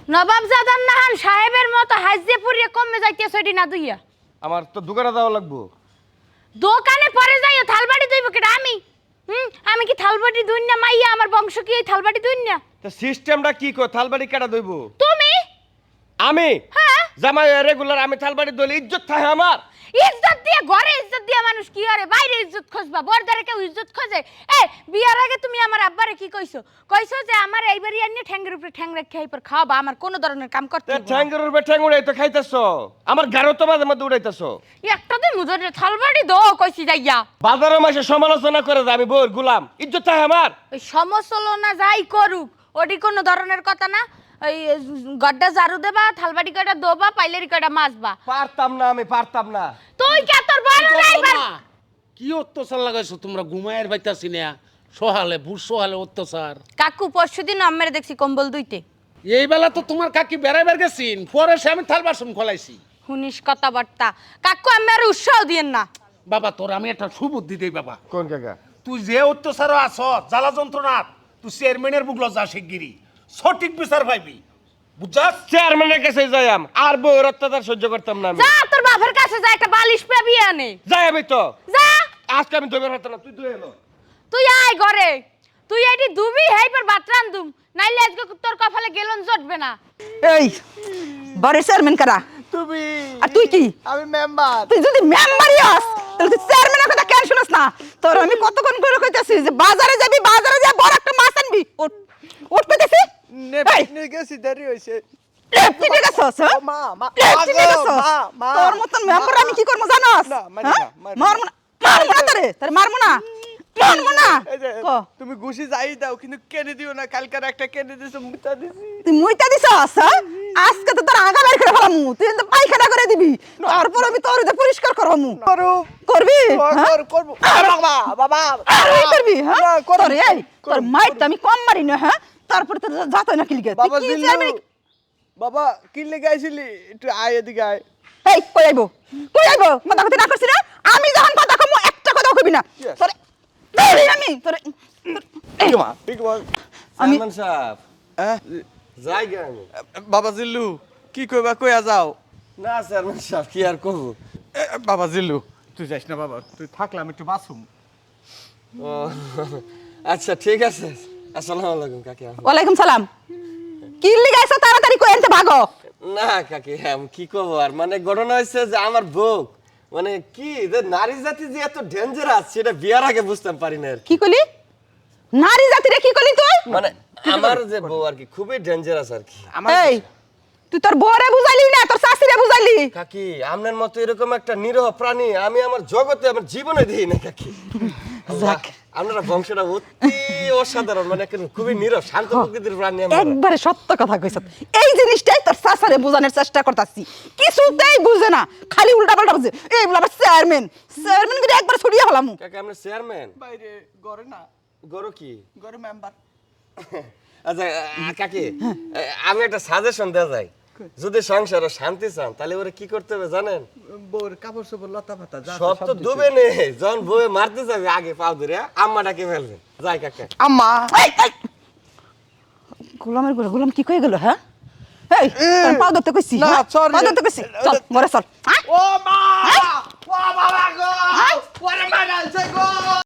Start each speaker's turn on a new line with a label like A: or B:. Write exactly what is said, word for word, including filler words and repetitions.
A: নবাবজাদার নাহান সাহেবের মতো হাজিয়ে পুরিয়ে কমে যাইতেছ এডি না দুইয়া
B: আমার তো দোকানে যাওয়া লাগবো।
A: দোকানে পরে যাইও থালবাড়ি দইব কেডা আমি হুম আমি কি থালবাড়ি দুই না মাইয়া আমার বংশ কি এই থালবাড়ি দুই না
B: তো সিস্টেমটা কি কো থালবাড়ি কেডা দইব?
A: তুমি
B: আমি
A: হ্যাঁ
B: জামাই রেগুলার আমি থালবাড়ি দইলে ইজ্জত থাকে আমার।
A: ইজ্জত দিয়ে ঘরে ইজ্জত দিয়ে মানুষ কি করে বাইরে ইজ্জত খোঁজবা বরদারে কেউ ইজ্জত খোঁজে এ বিয়ার আগে তুমি আমার আব্বারে কি কইছো কইছো যে আমার এইবারই আনি ঠ্যাঙ্গের উপরে ঠ্যাং রেখে এইপর খাওয়াবা আমার কোনো ধরনের কাম করতে
B: তে
A: হইবো না।
B: ঠ্যাঙ্গের উপরে ঠ্যাং উড়াই তো খাইতেছো, আমার গারো তো মাঝে মধ্যে উড়াইতেছো।
A: একটা দিন মুজরে থালবাড়ি দো কইছি যাইয়া
B: বাজারে মাসে সমালোচনা করে যে আমি বউর গোলাম, ইজ্জত থাকে আমার।
A: ওই সমসলনা যাই করুক ওটি কোনো ধরনের কথা না। ওই গড্ডা ঝাড়ু দেবা থালবাড়ি কয়টা দোবা পাইলেরি কয়টা মাজবা।
B: পারতাম না, আমি পারতাম না।
A: তুই কে তোর বড় ড্রাইভার
C: কি অত্যাচার লাগাইছো তোমরা ঘুমায়ের বাইতাছি না সহালে ভুর সহালে অত্যাচার।
A: কাকু পরশুদিন আম্মারে দেখছি কম্বল দুইতে।
C: এই বেলা তো তোমার কাকি বেড়াইবার গেছিন পরে সে আমি থাল বাসন খোলাইছি।
A: হুনিশ কথাবার্তা কাকু আমি আর উৎসাহ দিয়েন না।
C: বাবা তোর আমি একটা সুবুদ্ধি দেই বাবা।
B: কোন কাকা?
C: তুই যে অত্যাচার আছ জ্বালা যন্ত্রণা তুই চেয়ারম্যানের বুকলো যা শিগগিরি সঠিক বিচার পাইবি বুঝছাস।
B: চেয়ারম্যানের কাছে যাইম আর বউর অত্যাচার সহ্য করতাম না আমি।
A: যা তোর বাপের কাছে যা একটা বালিশ পাবি আনে
B: যাই আমি তো
A: যা।
B: আজকে আমি দইবার হতো না, তুই দই এলো।
A: তুই আয় ঘরে তুই এটি দুবি হেই পর ভাত রান্ধুম নাইলে আজকে তোর কপালে গেলন জটবে না।
D: এই বাড়ির চেয়ারম্যান কারা?
B: তুমি
D: আর তুই কি?
B: আমি মেম্বার।
D: তুই যদি মেম্বারই হস তাহলে তুই চেয়ারম্যানের কথা কেন শুনস না? তোর আমি কতক্ষণ করে কইতাছি যে বাজারে যাবি বাজারে যা বড় একটা মাছ আনবি। উঠ উঠ কইতাছি
E: নেপনি গেছি দেরি হইছে
D: লেফটি ঠিক আছে হ্যাঁ
E: মা মা
D: লেফটি ঠিক আছে
E: মা মা
D: তোর মতন মেম্বার আমি কি করব জানোস?
E: না, মারি
D: হ্যাঁ?
E: না, মারি না।
D: মারমু না মারমু না তোরে তোরে মারমু না মারমু না
E: এই যে
D: ক
E: তুমি ঘুষি যাই দাও কিন্তু কেনে দিও না কালকার একটা কেনে দিছো মুতা দিছি
D: তুই মুইতা দিছস হ্যাঁ? আজকে তো তোর আগা বের করে ফেলামু তুই তো পায়খানা করে দিবি তারপর আমি তোর যে পরিষ্কার করবো
E: করো
D: করবি
E: কর
D: হ্যাঁ?
E: কর করব বাবা বাবা
D: তুই করবি হ্যাঁ
E: না, করব,
D: তোর এই তোর
E: করব,
D: মাইর তো আমি কম মারি না হ্যাঁ তারপর তো যাতই না কিলিগে
E: বাবা
D: তুই কি
E: জিল্লু
D: চেয়ারম্যান
E: বাবা কি লেগে আইছিলি একটু আয় এদিকে আয়
D: এই কই আইবো কই আইবো কথা কথা না করছিস না আমি যখন কথা কমু একটা কথা কইবি না
E: Yes.
D: তোরে তোরে আমি তোরে
E: ঠিক মা ঠিক মা
D: আমি
B: চেয়ারম্যান সাহেব
E: হ্যাঁ
B: যাই গে আমি।
E: বাবা জিল্লু কি কইবা কইয়া যাও
B: না চেয়ারম্যান সাহেব কি আর করবো।
E: এ, বাবা জিল্লু তুই যাইস না বাবা তুই থাকলাম একটু বাসুম
B: ও আচ্ছা ঠিক আছে। আসসালামু আলাইকুম কাকি।
D: ওয়ালাইকুম সালাম কি লিগাইছ তাড়াতাড়ি কই আনতে ভাগো
B: না কাকি আমি কি করবো আর মানে ঘটনা হয়েছে যে আমার বউ মানে কি যে নারী জাতি যে এত ডেঞ্জারাস সেটা বিয়ার আগে বুঝতাম পারি না আর কি।
D: কি কইলি নারী জাতিরে কি কইলি তুই
B: মানে আমার যে বউ আর কি খুবই ডেঞ্জারাস আর কি।
D: এই তুই তোর বউরে বুঝাইলি না তোর শাশুড়িরে বুঝাইলি
B: কাকি আপনার মতো এরকম একটা নিরহ প্রাণী আমি আমার জগতে আমার জীবনে দিই না কাকি।
D: যাক।
B: আপনারা বংশটা অতি অসাধারণ মানে একটা খুবই নিরহ শান্ত প্রকৃতির প্রাণী আমরা।
D: একবারে সত্য কথা কইছ এই জিনিসটাই তোর শাশুড়ে বোঝানোর চেষ্টা করতাছি কিছুতেই বুঝে না খালি উল্টা পাল্টা বুঝে এই বলে আবার চেয়ারম্যান চেয়ারম্যান করে একবার ছড়িয়ে হলামু
B: কাকি আপনার চেয়ারম্যান
E: বাইরে ঘরে না
B: গরু কি?
E: ঘরে মেম্বার
B: আচ্ছা আহ, কাকি আমি একটা সাজেশন দেওয়া যায় যদি সংসারে শান্তি চান তাহলে ওরা কি করতে হবে জানেন?
E: বউর কাপড় চোপড় লতা পাতা যা
B: সব তো ডুবে নেই যখন বউয়ে মারতে যাবে আগে পাও ধরে আম্মা ডাকে ফেলবে যাই কাকা।
E: আম্মা
D: এই, এই। গোলামের গোলা গোলাম কি কয়ে গেল হ্যাঁ এই তোর পাও ধরতে কইছি
E: না,
D: হ্যাঁ?
E: sorry.
D: পাও ধরতে কইছি চল ঘরে চল হ্যাঁ?
E: ও মা ও বাবা গো ওরে মা